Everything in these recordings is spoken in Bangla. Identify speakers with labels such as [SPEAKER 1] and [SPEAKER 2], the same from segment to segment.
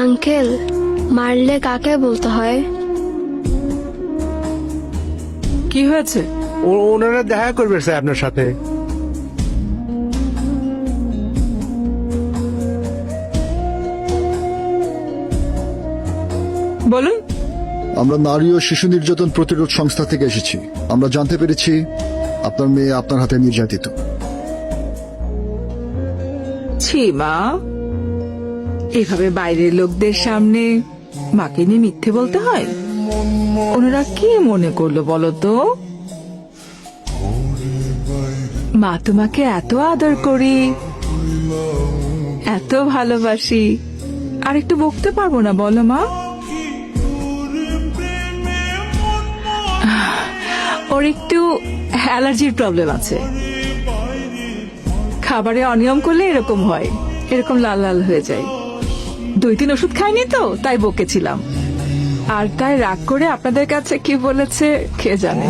[SPEAKER 1] আঙ্কেল, মারলে কাকে বলতে হয়?
[SPEAKER 2] কি হয়েছে?
[SPEAKER 3] ওনারা দেখা করবে স্যার আপনার সাথে।
[SPEAKER 2] বলুন।
[SPEAKER 4] আমরা নারী ও শিশু নির্যাতন প্রতিরোধ সংস্থা থেকে এসেছি। আমরা জানতে পেরেছি আপনার মেয়ে আপনার হাতে নির্যাতিত।
[SPEAKER 2] ছি মা, এভাবে বাইরের লোকদের সামনে মাকে নিয়ে মিথ্যে বলতে হয়? ওনারা কি মনে করলো বলো তো? মা তোমাকে এত আদর করি, এত ভালোবাসি, আর একটু বকতে পারবো না বলো মা? ওর একটু অ্যালার্জির প্রবলেম আছে, খাবারে অনিয়ম করলে এরকম হয়, এরকম লাল লাল হয়ে যায়। 2-3 ওষুধ খাইনি তো, তাই বকেছিলাম। আর তাই রাগ করে আপনাদের কাছে কি বলেছে কে জানে।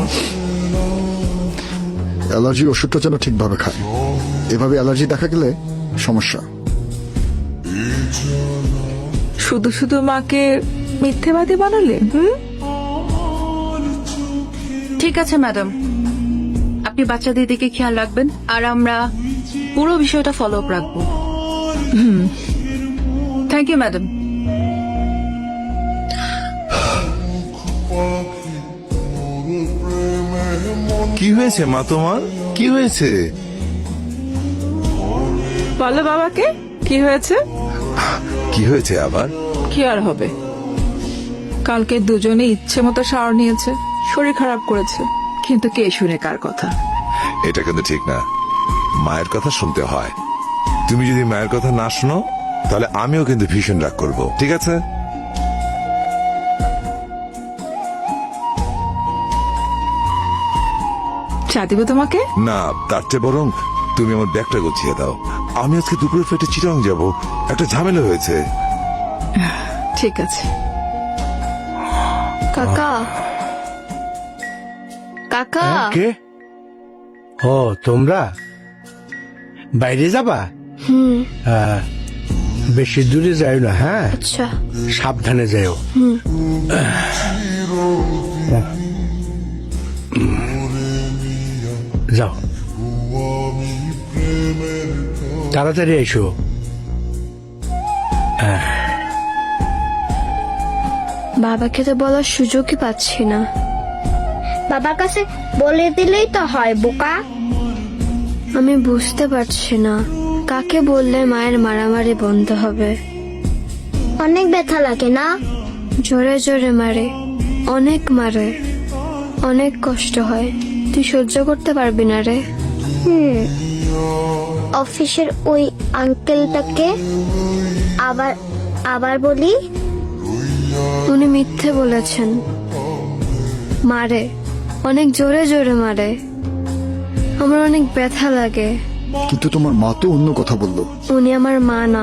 [SPEAKER 4] অ্যালার্জির ওষুধটা যেন ঠিকভাবে খায়, এভাবে অ্যালার্জি দেখা গেলে সমস্যা।
[SPEAKER 2] শুধু শুধু মাকে মিথ্যেবাদী বানালে।
[SPEAKER 5] ঠিক আছে ম্যাডাম, আপনি বাচ্চাদের দিকে খেয়াল রাখবেন, আর আমরা পুরো বিষয়টা ফলো আপ রাখবো। Thank you madam.
[SPEAKER 6] কি হয়েছে মা তোমার? কি হয়েছে?
[SPEAKER 2] বলো বাবাকে কি হয়েছে।
[SPEAKER 6] কি হয়েছে আবার?
[SPEAKER 2] কি আর হবে, কালকে দুজনে ইচ্ছে মতো শাওয়ার নিয়েছে, শরীর খারাপ করেছে, কিন্তু কে শুনে কার কথা?
[SPEAKER 6] এটা কিন্তু ঠিক না, মায়ের কথা শুনতে হয়। তুমি যদি মায়ের কথা না শোনো তাহলে আমিও কিন্তু ভীষণ রাগ করব, ঠিক আছে?
[SPEAKER 2] চা দিব তোমাকে?
[SPEAKER 6] না, তার চেয়ে বরং তুমি আমার ব্যাগটা গুছিয়ে দাও। আমি আজকে দুপুরে ফেটে চিটাং যাব, একটা ঝামেলা হয়েছে।
[SPEAKER 2] ঠিক আছে।
[SPEAKER 1] কাকা, কাকা,
[SPEAKER 3] কে? ও তোমরা বাইরে যাবা? বেশি দূরে যাও না, হ্যাঁ?
[SPEAKER 1] আচ্ছা।
[SPEAKER 3] সাবধানে যাও। যাও, তাড়াতাড়ি এসো।
[SPEAKER 1] বাবাকে তো বলার সুযোগই পাচ্ছি না।
[SPEAKER 7] বাবার কাছে বলে দিলেই তো হয়, বোকা।
[SPEAKER 1] আমি বুঝতে পারছি না কাকে বললে মায়ের মারামারি বন্ধ হবে।
[SPEAKER 7] অনেক ব্যথা লাগে না?
[SPEAKER 1] জোরে জোরে মারে, অনেক মারে, অনেক কষ্ট হয়। তুই সহ্য করতে পারবি না রে।
[SPEAKER 7] অফিসের ওই আঙ্কেলটাকে আবার আবার বলি?
[SPEAKER 1] উনি মিথ্যে বলেছেন। মারে, অনেক জোরে জোরে মারে, আমার অনেক ব্যথা লাগে।
[SPEAKER 4] কিন্তু তোমার মা তো অন্য কথা বললো।
[SPEAKER 1] উনি আমার মা না।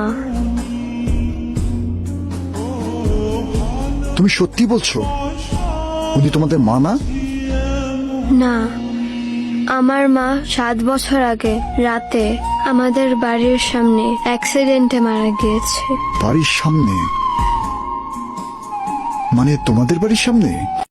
[SPEAKER 4] তুমি সত্যি বলছো উনি তোমাদের মা না?
[SPEAKER 1] না, আমার মা 7 বছর আগে রাতে আমাদের বাড়ির সামনে অ্যাক্সিডেন্টে মারা গিয়েছে।
[SPEAKER 4] বাড়ির সামনে? মানে তোমাদের বাড়ির সামনে?